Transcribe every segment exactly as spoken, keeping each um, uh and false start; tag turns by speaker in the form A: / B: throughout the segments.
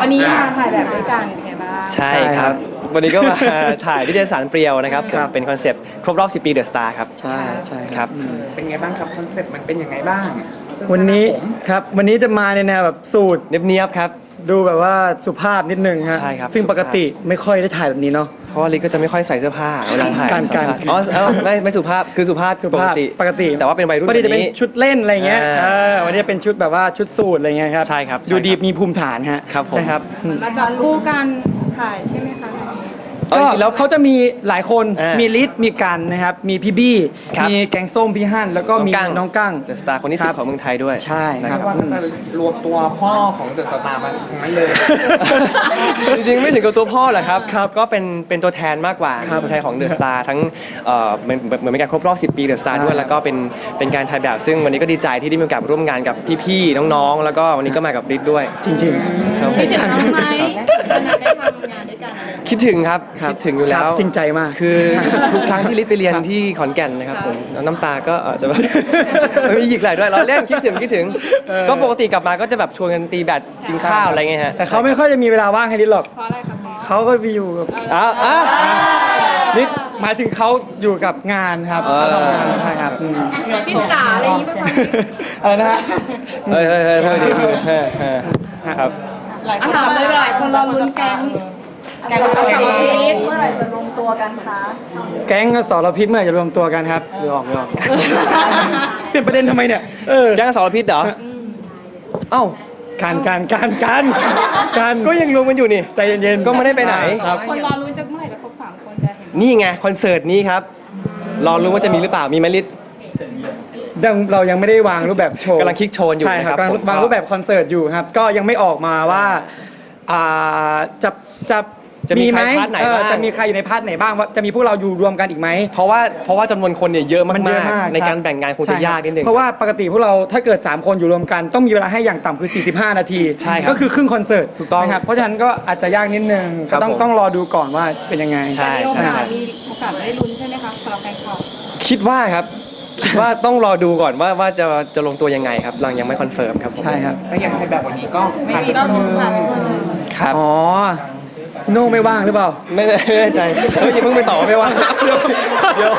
A: วันนี้มาถ่ายแบบด้วยกันเป็นไงบ้าง
B: ใช่ครับวันนี้ก็มาถ่ายนิตยสารเปรียวนะครับเป็นคอนเซปต์ครบรอบสิบปีเดอะสตาร์ครับ
C: ใช่ใช่
B: ครับ
D: เป็นไงบ้างครับคอนเซปต์มันเป็นยังไงบ้าง
C: วันนี้ครับวันนี้จะมาในแนวแบบสูท
B: เนียบๆครับ
C: ดูแบบว่าสุภาพนิดนึงฮะ
B: ใช่ครับ
C: ซึ่งปกติไม่ค่อยได้ถ่ายแบบนี้เนาะ
B: เพราะว่าลิก็จะไม่ค่อยใส่เสื้อผ้าเวลาถ่าย
C: การการ
B: อ๋อไม่ไม่สุภาพคือสุภาพปกติ
C: ปกติ
B: แต่ว่าเป็นวัยรุ่น
C: วันนี้จะเป็นชุดเล่นอะไรเงี้ย
B: เออ
C: วันนี้เป็นชุดแบบว่าชุดสูทอะไรเงี้ยครับ
B: ใช่ครับ
C: ดูดีมีภูมิฐานฮะ
B: ครับผม
C: ใช่ครับ
A: มาจับคู่กันถ่ายใช่ไหมคะ
C: ก็แล้วเขาจะมีหลายคนมีลิศมีกันนะครับมีพี่บี้มีแกงส้มพี่ฮั่นแล้วก็มีน้องกั้ง
B: เดอะสตาร์คนที่สิบของเมืองไทยด้วย
C: ใช่ครับ
D: ว่าจะรวมตัวพ่อของเดอะสตาร์มาทั้งนั้นเลย
B: จริงๆไม่ถึงกับตัวพ่อหรอกครับก็เป็นเป็นตัวแทนมากกว่าตัวแทนของเดอะสตาร์ทั้งเหมือนเหมือนเป็นการครบรอบสิบปีเดอะสตาร์ด้วยแล้วก็เป็นเป็นการถ่ายแบบซึ่งวันนี้ก็ดีใจที่ได้มีโอกาสร่วมงานกับพี่ๆน้องๆแล้วก็วันนี้ก็มากับลิศด้วย
C: จริงๆ
A: คิดถึงน้องไหมตอนนั้นได้ทำงานด้วยกันอะไร
B: คิดถึงครับคิดถึงอยู่แล้ว
C: จริงใจมาก
B: คือทุกครั้งที่ลิศไปเรียนที่ขอนแก่นนะครับผมน้ำตาก็อาจจะแบบมีหยิกไหลด้วยเราเล่นคิดถึงคิดถึงก็ปกติกลับมาก็จะแบบชวนกันตีแบดกินข้าวอะไรเงี้ยฮะ
C: แต่เขาไม่ค่อยจะมีเวลาว่างให้ลิศหรอก
A: เพราะอะไรครับ
C: เขาก็ไปอยู่กับ
B: อ้าวอ้าว
C: ลิศหมายถึงเขาอยู่กับงานครับเขาทำงานใช่ครับ
A: พิษาอะไรอย่างนี้ป่ะ
C: อะไรนะฮะ
B: เฮ้ยเฮ้ยเฮ้ยเฮ้ยครับ
A: ถามเลยหลายคนรอลุ้นแก๊งแก๊งสารพิษเมื่อไหร่จะรวมตัวกันคะ
C: แก๊งสารพิษเมื่อไหร่จะรวมตัวกันครับหรือออกหรือออกเปลี่ยนประเด็นทำไมเนี่ย
B: เออแก๊งสารพิษเหรอเอ้า
C: การการการการการ
B: ก็ยังรวมกันอยู่นี่
C: ใจเย็นๆ
B: ก็ไม่ได้ไปไหน
A: คนรอลุ้นจะเมื่อไหร่จะครบสามคนจะเห็น
B: นี่ไงคอนเสิร์ตนี้ครับรอรู้ว่าจะมีหรือเปล่ามีไหมลิศ
C: เรายังไม่ได้วางรูปแบบโชว์
B: กำลังคิดโชว์อยู่
C: ใช่ครับกำลังวางรูปแบบคอนเสิร์ตอยู่ครับก็ยังไม่ออกมาว่าจะจะ
B: จะมีใครพาร์ทไหนบ้าง
C: จะมีใครอยู่ในพาร์ทไหนบ้างว่าจะมีพวกเราอยู่รวมกันอีกไหม
B: เพราะว่าเพราะว่าจำนวนคนเนี่ยเยอะมากๆในการแบ่งงานคงจะยากนิดนึง
C: เพราะว่าปกติพวกเราถ้าเกิดสามคนอยู่รวมกันต้องมีเวลาให้อย่างต่ำคือสี่สิบห้านาที
B: ใช่ครับ
C: ก็คือครึ่งคอนเสิร์ต
B: ถูกต้อง
C: ครับเพราะฉะนั้นก็อาจจะยากนิดนึงก็ต้องต้องรอดูก่อนว่าเป็นยังไง
B: ใช่
A: ใช่มีโอกาสได้ลุ้นใช่ไหมคะสำหรับแฟนคลับ
B: คิดว่าครับคิดว่าต้องรอดูก่อนว่าว่าจะจะลงตัวยังไงครับเรายังไม่คอนเฟิร์มครับ
C: ใช่ครับ
D: ถ้าอย่างในแบบวันนี้ก็
A: ไม่มีก็ลุ้นค่ะ
B: ครับ
C: อ๋อโน่ไม่ว่างหรือเปล่า
B: ไม่แน่ใจเฮ้ยอย่าเพิ่งไปตอบไม่ว่างเดี๋ยวเดี๋ยว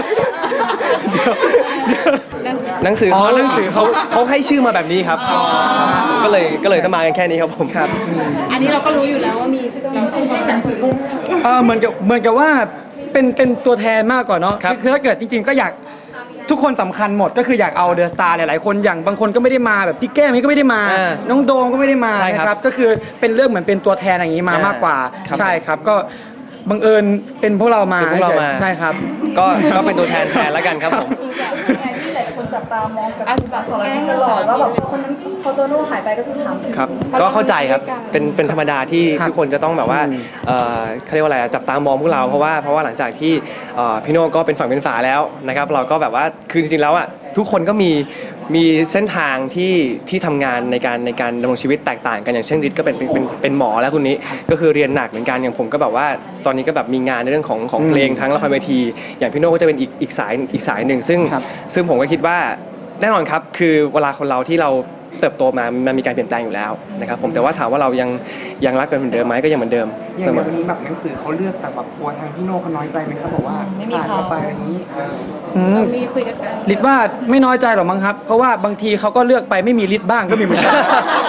B: หนังสือเขาหนังสือเขาเขาให้ชื่อมาแบบนี้ครับก็เลยก็เลยต้องมากันแค่นี้ครับผม
C: ครับ
A: อันนี้เราก็รู้อยู่แล้วว่ามีชื่อหนังสือ
C: เออเหมือนกับเหมือนกับว่าเป็นเป็นตัวแทนมากกว่าเนาะคือถ้าเกิดจริงๆก็อยากทุกคนสำคัญหมดก็คืออยากเอาเดอะสตาร์หลายๆคนอย่างบางคนก็ไม่ได้มาแบบพี่แก้มนี่ก็ไม่ได้มาน้องโดมก็ไม่ได้มานะครับก็คือเป็นเรื่องเหมือนเป็นตัวแทนอย่างนี้มามากกว่าใช่ครับก็บังเอิญเป็นพวกเรามาใช่ครับ
B: ก็ก็เป็นตัวแทนแทนแล้วกันครับผม
E: ที่หลายคนจับตามองกับของเราตลอดว่าแบบพอคนนั้นพอตัวโน้หายไปก็คือถามถึง
B: ครับก็เข้าใจครับเป็นเป็นธรรมดาที่ทุกคนจะต้องแบบว่าเขาเรียกว่าอะไรจับตามองพวกเราเพราะว่าเพราะว่าหลังจากที่พี่โน่ก็เป็นฝั่งเป็นฝาแล้วนะครับเราก็แบบว่าคือจริงๆแล้วอ่ะทุกคนก็มีมีเส้นทางที่ที่ทำงานในการในการดำรงชีวิตแตกต่างกันอย่างเช่นฤทธิ์ก็เป็นเป็นเป็นหมอแล้วคุณนี้ก็คือเรียนหนักเหมือนกันอย่างผมก็แบบว่าตอนนี้ก็แบบมีงานในเรื่องของของเพลงทั้งละครเวทีอย่างพี่โน่ก็จะเป็นอีกอีกสายอีกสายหนึ่งซึ่งซึ่งผมก็คิดว่าแน่นอนครับคือเวลาคนเราที่เราเติบโตมามันมีการเปลี่ยนแปลงอยู่แล้วนะครับผมแต่ว่าถามว่าเรายังยังรักกันเหมือนเดิมไหมก็ยังเหมือนเดิม
D: อย่างวันนี้แบบหนังสือเขาเลือกแต่แบบกลัวทางพี่โน่เขาน้อยใจไหมครับบอกว่าอ่านเข้าไปอย่างนี้
A: มีคุยกัน
C: ฤทธิ์ว่าไม่น้อยใจหรอกมั้งครับเพราะว่าบางทีเขาก็เลือกไปไม่มีฤทธิ์บ้างก็มีเหมือนกัน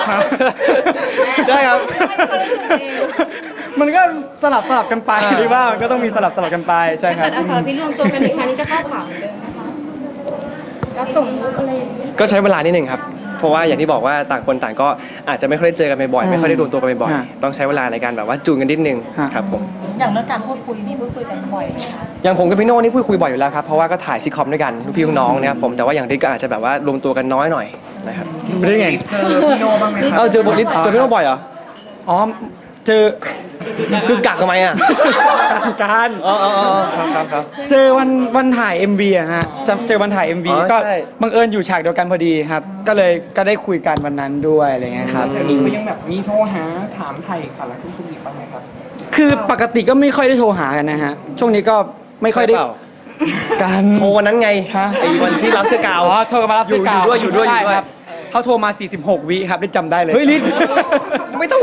B: ได้ครับ
C: มันก็สลับสลับกันไปหรือว่ามันก็ต้องมีสลับสลับกันไปใช่ครับ
A: แต่สารพิษรวมตัวกันอีกครั้งนี้จะเข้าข่าวเหมือนเดิมนะคะก็ส่งอะไรอย่างนี้
B: ก็ใช้เวลานิดนึงครับเพราะว่าอย่างที่บอกว่าต่างคนต่างก็อาจจะไม่ค่อยได้เจอกันบ่อยไม่ค่อยได้รวมตัวกันบ่อยต้องใช้เวลาในการแบบว่าจูนกันนิดนึงครับผม
E: อย่างเรื่องการพูดคุยนี่พูดคุยกันบ่อยไหมคะ
B: อย่างผมกับพี่โน่นี่พูดคุยบ่อยอยู่แล้วครับเพราะว่าก็ถ่ายซิทคอมด้วยกันลูกพี่ลูกน้องนะครับผมแต่ว่าอย่างฤทธิ์ก็อาจจะแบบว่ารวมตัวกันน้อยหน่อยนะครับ
C: ไม่ได้ไง
D: เจอพี่โน่บ้างไหมครับ
B: เออเจอบทฤทธิ์เจอพี่โน่บ่อยเหรอ
C: อ๋อเจอ
B: คือกักทำไมอ่ะ
C: การ
B: อ๋ออ๋อครับครับครับ
C: เจอวันวันถ่าย เอ็ม วี อะฮะเจอวันถ่าย เอ็ม วี ก็บังเอิญอยู่ฉากเดียวกันพอดีครับก็เลยก็ได้คุยกันวันนั้นด้วยอะไรเงี้ยครับ
D: อันนี้ก็ยังแบบมีโทรหาถามไทยสารทุกข์สุขดิบบ้างไหมครับ
C: คือปกติก็ไม่ค่อยได้โทรหากันนะฮะช่วงนี้ก็ไม่ค่อยได้
B: การโทรวันนั้นไงไอ้วันที่รับเสื้อกาว
C: อ๋อโทรกันมารับเสื้อกาว
B: อยู่ด้วยอยู่ด้วยอยู่ด้วย
C: เขาโทรมาสี่สิบหกวิครับได้จำได้เลย
B: เฮ้ยลิศไม่ต้อง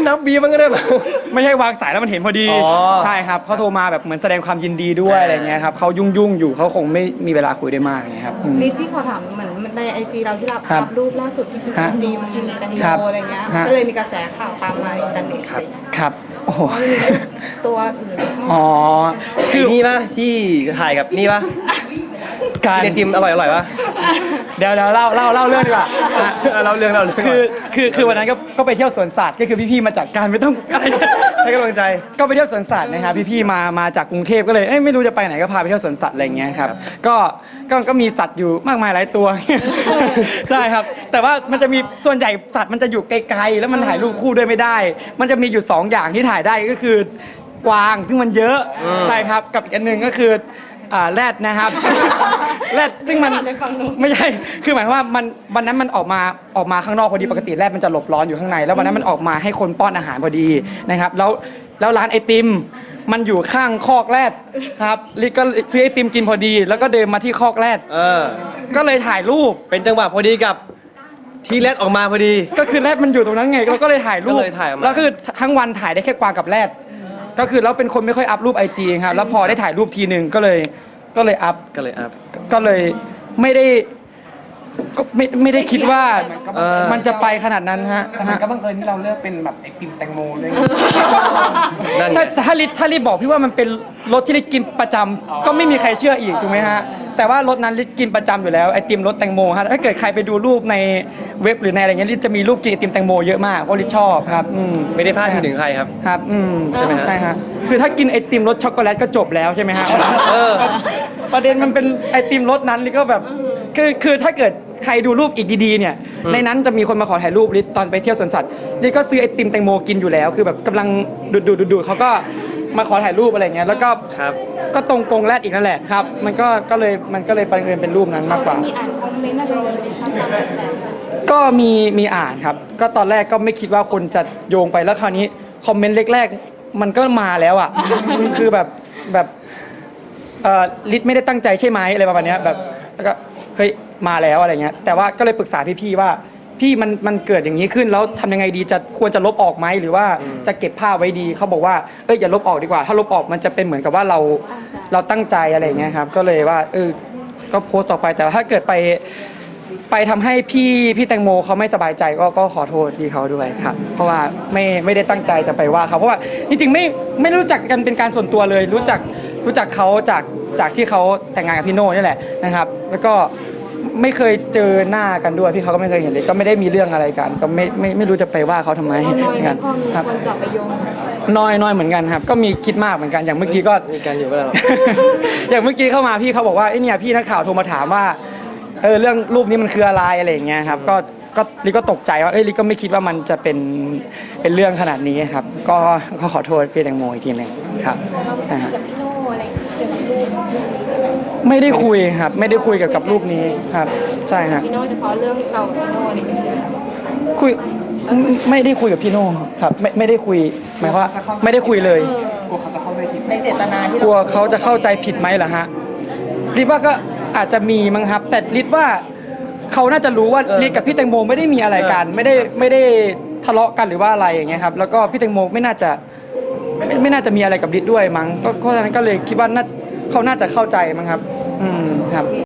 B: นับวีมันก็ได้แบบ
C: ไม่ใช่วางสายแล้วมันเห็นพอดี
B: อ๋อ
C: ใช่ครับเขาโทรมาแบบเหมือนแสดงความยินดีด้วยอะไรเงี้ยครับเขายุ่งยุ่งๆอยู่เขาคงไม่มีเวลาคุยได้มากอย่างเงี้ยครับอืม
A: ลิศพี่ขอถามเหมือนในไอจีเราที่เรา
C: ครับ
A: อัพรูปล่าสุดที่คือ
C: ฮะ
A: ดีมกินแตง
C: ครับ
A: โมอะไรเงี้ย
C: ฮะ
A: ก็เลยมีกระแสข่าวตามมาอินเทอร์เน็ต
B: ครับ
C: ครับโอ้โห
A: ว่ามีตัวอื่นเข้า
C: อ๋
A: มา
C: อ
B: คือนี่ป่ะที่ถ่ายกับนี่ป่ะ
C: การ
B: เรียนจิมอร่อยอร่อยป่ะ
C: เดี๋ยวเดี๋ยวเล่าเล่าเล่าเรื่องดีกว่าอ่ะ
B: เราเรื่องเราเรื่อง
C: คือคือคือวันนั้นก็ก็ไปเที่ยวสวนสัตว์ก็คือพี่ๆมาจากการไม่ต้อง อะไร
B: ให้กำลังใจ
C: ก็ไปเที่ยวสวนสัตว์นะครับพี่ๆมามาจากกรุงเทพก็เลยเอ้ยไม่รู้จะไปไหนก็พาไปเที่ยวสวนสัตว์อะไรอย่างเงี้ยครับก็ก็ก็มีสัตว์อยู่มากมายหลายตัว ใช่ครับ แต่ว่ามันจะมีส่วนใหญ่สัตว์มันจะอยู่ไกลๆแล้วมันถ่ายรูปคู่ด้วยไม่ได้ มันจะมีอยู่สองอย่างที่ถ่ายได้ก็คือกวางซึ่งมันเยอะใช่ครับกับอีกอันหนึ่งก็คืออ่าแรดนะครับ แรดซึ่งมัน
A: ในฝั่งนู้น
C: ไม่ใช่ คือหมายความว่ามันวันนั้นมันออกมาออกมาข้างนอกพอดีปกติแรดมันจะหลบร้อนอยู่ข้างใน แล้ววันนั้นมันออกมาให้คนป้อนอาหารพอดีนะครับ แล้วแล้วร้านไอติมมันอยู่ข้างคอกแรดครับลิก็ซื้อไอติมกินพอดี แล้วก็เดินมาที่คอกแรด
B: เออ
C: ก็เลยถ่ายรูป
B: เป็นจังหวะพอดีกับที่แรดออกมาพอดี
C: ก็คือแรดมันอยู่ตรงนั้นไงเราก็เลยถ่ายรูป
B: ก็เลยถ่ายออกมา
C: แล้วคือทั้งวันถ่ายได้แค่กวางกับแรดก็คือแล้วเป็นคนไม่ค่อยอัพรูปไอจีครับแล้วพอได้ถ่ายรูปทีหนึ่งก็เลยก็เลยอัพ
B: ก็เลยอัพ
C: ก็เลยไม่ได้ก็ไม่ไม่ได้คิดว่า
B: เออ
C: มันจะไปขนาดนั้นฮะ
D: แต่มันก็บังเอิญที่เราเลือกเป็นแบบไอติมแตงโมด้วย
B: นั่นไง
C: ถ้าถ้าลิศถ้าลิศบอกพี่ว่ามันเป็นรสที่ลิศกินประจำก็ไม่มีใครเชื่ออีกถูกไหมฮะแต่ว่ารสนั้นลิศกินประจำอยู่แล้วไอติมรสแตงโมฮะถ้าเกิดใครไปดูรูปในเว็บหรือในอะไรเงี้ยลิศจะมีรูปกินไอติมแตงโมเยอะมากเพราะลิศชอบครับอืม
B: ไม่ได้พลาดพิงถึงใครครับ
C: ครับอืม
B: ใช่ไหมฮะ
C: ใช่ฮะคือถ้ากินไอติมรสช็อกโกแลตก็จบแล้วใช่ไหมฮะ
B: เออ
C: ประเด็นมันเป็นไอติมรสนั้นลิศก็แบบคือคือถ้าเกิดใครดูรูปอีกดีๆเนี่ยในนั้นจะมีคนมาขอถ่ายรูปลิศตอนไปเที่ยวสวนสัตว์ลิศก็ซื้อไอติมแตงโมกินอยู่แล้ว คือแบบกำลังดูดดูดดูดเขาก็มาขอถ่ายรูปอะไรเงี้ยแล้วก็
B: ครับ
C: ก็ตรงกรงแรดอีกนั่นแหละครับ มันก็ก็เลยมันก็เลยประเด็นเป็นรูปนั้นมากกว่า
A: มีอ่านคอมเมนต์อะไรอย่างเงี้ยตามกระแส
C: ก็มีมีอ่านครับ ก็ตอนแรกก็ไม่คิดว่าคนจะโยงไปแล้วคราวนี้คอมเมนต์แรกๆมันก็มาแล้วอ่ะ คือแบบแบบเอ่อลิศไม่ได้ตั้งใจใช่ไหมอะไรประมาณเนี้ยแบบแล้วก็เฮ้ยมาแล้วอะไรเงี้ยแต่ว่าก็เลยปรึกษาพี่ๆว่าพี่มันมันเกิดอย่างนี้ขึ้นแล้วทำยังไงดีจะควรจะลบออกไหมหรือว่าจะเก็บภาพไว้ดีเขาบอกว่าเอ้ยอย่าลบออกดีกว่า ถ้าลบออกมันจะเป็นเหมือนกับว่าเราเราตั้งใจอะไรเงี้ยครับก็เลยว่าเออก็โพสต์ต่อไปแต่ถ้าเกิดไป ไปทำให้พี่พี่แตงโมเขาไม่สบายใจก็ก็ขอโทษพี่เขาด้วยครับ เพราะว่าไม่ไม่ได้ตั้งใจจะไปว่าเขาเพราะว่าจริงๆไม่ไม่รู้จักกันเป็นการส่วนตัวเลย รู้จักรู้จักเขาจากจากที่เขาแต่งงานกับพี่โน่นี่แหละนะครับ แล้วก็ไม่เคยเจอหน้ากันด้วยพี่เขาก็ไม่เคยเห็นเลยก็ไม่ได้มีเรื่องอะไรกัน ก็ไม่ไม่ไม่รู้จะไปว่าเขาทำไม
A: พอน้อยไหม
C: กัน
A: พอมี
C: ครับ
A: คนจับไปโยง
C: น้อยน้อยเหมือนกันครับ ก็มีคิดมากเหมือนกันอย่างเมื่อกี้ก็
B: มีการอยู่ก็แล้ว
C: อย่างเมื่อกี้เข้ามาพี่เขาบอกว่าไอ้เนี่ยพี่นักข่าวโทรมาถามว่าเออเรื่องรูปนี้มันคืออะไรอะไรอย่างเงี้ยครับก็ก็ลิก็ตกใจว่าเอ้ยลิก็ไม่คิดว่ามันจะเป็นเป็นเรื่องขนาดนี้ครับ ก็ก็ขอโทษพี่แตงโมอีกทีหนึ่งครับนะฮะ
A: กับพี่โน่อะไรเกี่ยวกับรูป
C: ไม่ได้คุยครับ ไม่ได้คุยเกี่ยวกับรูปนี้ครับ ใช่ฮะ
A: พี่โน่เฉพาะเรื่องเรากับพี่โน่อะไรอย่างเงี้ย
C: คุยไม่ไม่ได้คุยกับพี่โน่ครับไม่ไม่ได้คุยหมายความว่าไม่ได้คุยเลย
D: กลัวเขาจะเข้าใจผิด
E: ในเจตนาที่
C: กลัวเขาจะเข้าใจผิดไหมเหรอฮะลิศว่าก็อาจจะมีมั้งครับ แต่ลิศว่าเขาน่าจะรู้ว่า
B: เออ
C: ลิศกับพี่แตงโมไม่ได้มีอะไรกัน ไม่ได้ไม่ได้ทะเลาะกันหรือว่าอะไรอย่างเงี้ยครับแล้วก็พี่แตงโมไม่น่าจะไม่ไม่น่าจะมีอะไรกับลิศด้วยมั้งก็เพราะฉะนั้นก็เลยคิดว่าน่าเขาน่าจะเข้าใจมั้งครับ อืมครับ